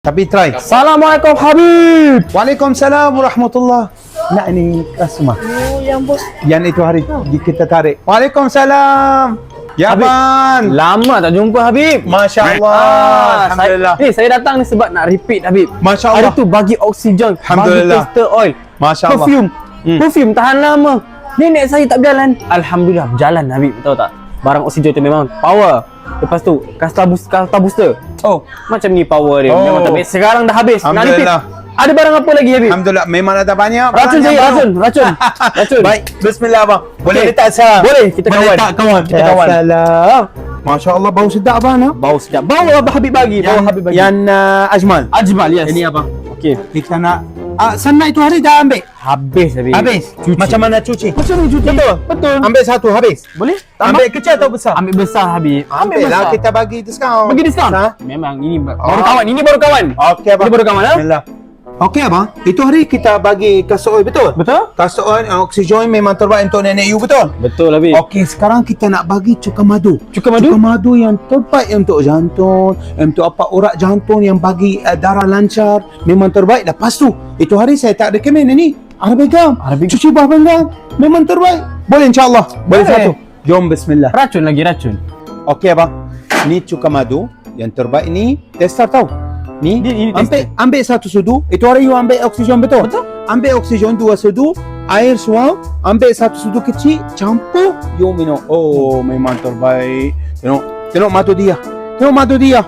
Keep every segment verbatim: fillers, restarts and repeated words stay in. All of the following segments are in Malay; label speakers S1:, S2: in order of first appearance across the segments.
S1: Tapi try.
S2: Assalamualaikum Habib.
S1: Waalaikumsalam warahmatullah. Nak ini customer.
S3: Oh, yang bos.
S1: Yang itu hari kita tarik. Waalaikumsalam. Ya
S2: Habib.
S1: Ban.
S2: Lama tak jumpa Habib.
S1: Masya Allah.
S2: Ah,
S1: Alhamdulillah.
S2: Saya, ni saya datang ni sebab nak repeat Habib.
S1: Masya
S2: Hari
S1: Allah.
S2: tu bagi oksigen,
S1: Alhamdulillah.
S2: bagi tester oil,
S1: Masya Allah.
S2: perfume.
S1: Hmm.
S2: Perfume tahan lama. Nenek saya tak berjalan. Alhamdulillah berjalan Habib, tahu tak? Barang oksigen tu memang power. Lepas tu kasta booster, kasta booster.
S1: Oh,
S2: Macam ni power dia.
S1: Oh.
S2: Memang tak habis. Sekarang dah habis. Nak repeat.
S1: Alhamdulillah.
S2: Ada barang apa lagi Habib?
S1: Alhamdulillah. Memang ada banyak.
S2: Racun
S1: barang
S2: saya,
S1: yang
S2: racun,
S1: baru.
S2: racun. Racun.
S1: Baik. Bismillah bang. Boleh
S2: Okey.
S1: letak salam?
S2: Boleh, kita
S1: Boleh
S2: kawan.
S1: letak kawan. Kita kawan.
S2: Salam.
S1: Masya Allah bau sedap abang. Ha?
S2: Bau sedap. Bau apa Habib bagi? Bau
S1: Yang,
S2: Habib bagi.
S1: yang uh, Ajmal.
S2: Ajmal, yes.
S1: Ini abang.
S2: Okey.
S1: Kita nak uh, sana itu hari dah ambil.
S2: Habis Habib.
S1: Habis.
S2: Cuci.
S1: Macam mana cuci?
S2: Macam ni cuci.
S1: Betul.
S2: Betul.
S1: Ambil satu habis.
S2: Boleh?
S1: Ambil kecil atau besar?
S2: Ambil besar Habib.
S1: Ambil lah, kita bagi diskaun.
S2: Bagi diskaun.
S1: Ha?
S2: Memang ini baru
S1: Oh.
S2: kawan. Ini baru kawan.
S1: Okey abang.
S2: Ini baru kawan, ha?
S1: Bismillah. Okey abang. Itu hari kita bagi kasut oil betul?
S2: Betul?
S1: Kasut oil uh, oksigen memang terbaik untuk nenek you betul?
S2: Betul Habib.
S1: Okey, sekarang kita nak bagi cuka madu.
S2: Cuka madu?
S1: Cuka madu yang terbaik untuk jantung, untuk apa urat jantung yang bagi uh, darah lancar, memang terbaik. Lepas tu, itu hari saya tak recommend ini. Arabic gum.
S2: Arabic-
S1: Cuci buah pinggang. Memang terbaik. Boleh insya-Allah. Boleh
S2: Boleh.
S1: satu. Jom bismillah.
S2: Racun lagi racun.
S1: Okey abang. Ni cuka madu yang terbaik ni tester tahu. Ni
S2: Ni- ini
S1: ambil ambil satu sudu. Itu hari you ambil oksigen betul?
S2: Betul.
S1: Ambil oksigen dua sudu, air suam, ambil satu sudu kecil, campur, you minum. Oh, memang terbaik. Tengok, tengok madu dia. Tengok madu dia.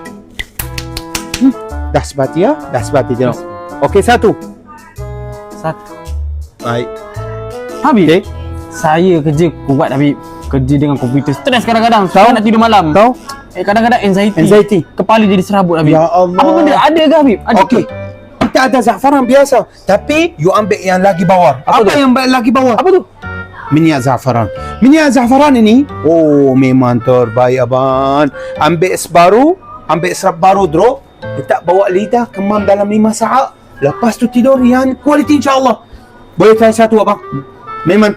S1: Hmm, dah sebati ya? Dah sebati tengok. Okey, satu.
S2: Satu.
S1: Baik.
S2: Habib.
S1: Okey.
S2: Saya kerja kuat Habib. Kerja dengan komputer. Stres kadang-kadang. Saya nak tidur malam.
S1: Tahu?
S2: Eh, kadang-kadang anxiety.
S1: Anxiety.
S2: Kepala jadi serabut Habib.
S1: Ya Allah.
S2: Apa benda? Ada ke Habib? Ada
S1: Okey.
S2: ke?
S1: Kita ada zafaran biasa, tapi you ambil yang lagi bawah.
S2: Apa
S1: Apa,
S2: tu?
S1: yang lagi bawah?
S2: Apa tu?
S1: Minyak zafaran. Minyak zafaran ini, oh memang terbaik abang. Ambil es baru, ambil serap baru drop, letak bawa lidah, kemam dalam lima saat. Lepas tu tidur yang kualiti insya-Allah. Boleh try satu abang. Memang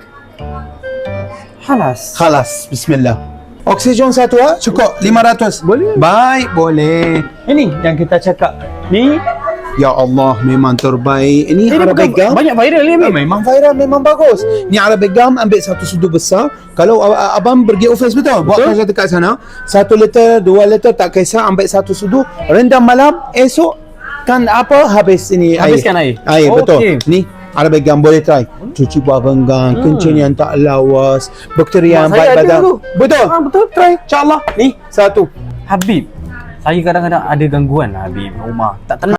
S2: Halas.
S1: khalas. Bismillah. Oksigen satu ah, cukup lima ratus.
S2: Boleh.
S1: Baik, boleh. Ini yang kita cakap. Ni ya Allah memang terbaik. Ini
S2: Eh, dia
S1: Arabic
S2: bukan
S1: gum.
S2: banyak viral ni
S1: Ah,
S2: Habib.
S1: memang viral, memang bagus. Ni Arabic gum ambil satu sudu besar. Kalau uh, abang pergi office betul? Buat kerja dekat sana. Satu liter, dua liter tak kisah. Ambil satu sudu. Rendam malam. Esok kan apa habis ini
S2: Habiskan
S1: air.
S2: air.
S1: Air betul.
S2: Okey.
S1: Ni Arabic gum boleh try. Cuci buah pinggang, hmm. kencing yang tak lawas, bakteri yang
S2: Mak saya
S1: baik
S2: ada
S1: badan.
S2: tu.
S1: Betul.
S2: Ah, betul.
S1: Try. InsyaAllah. Ni satu.
S2: Habib. Saya kadang-kadang ada gangguan Habib rumah. Tak tenang.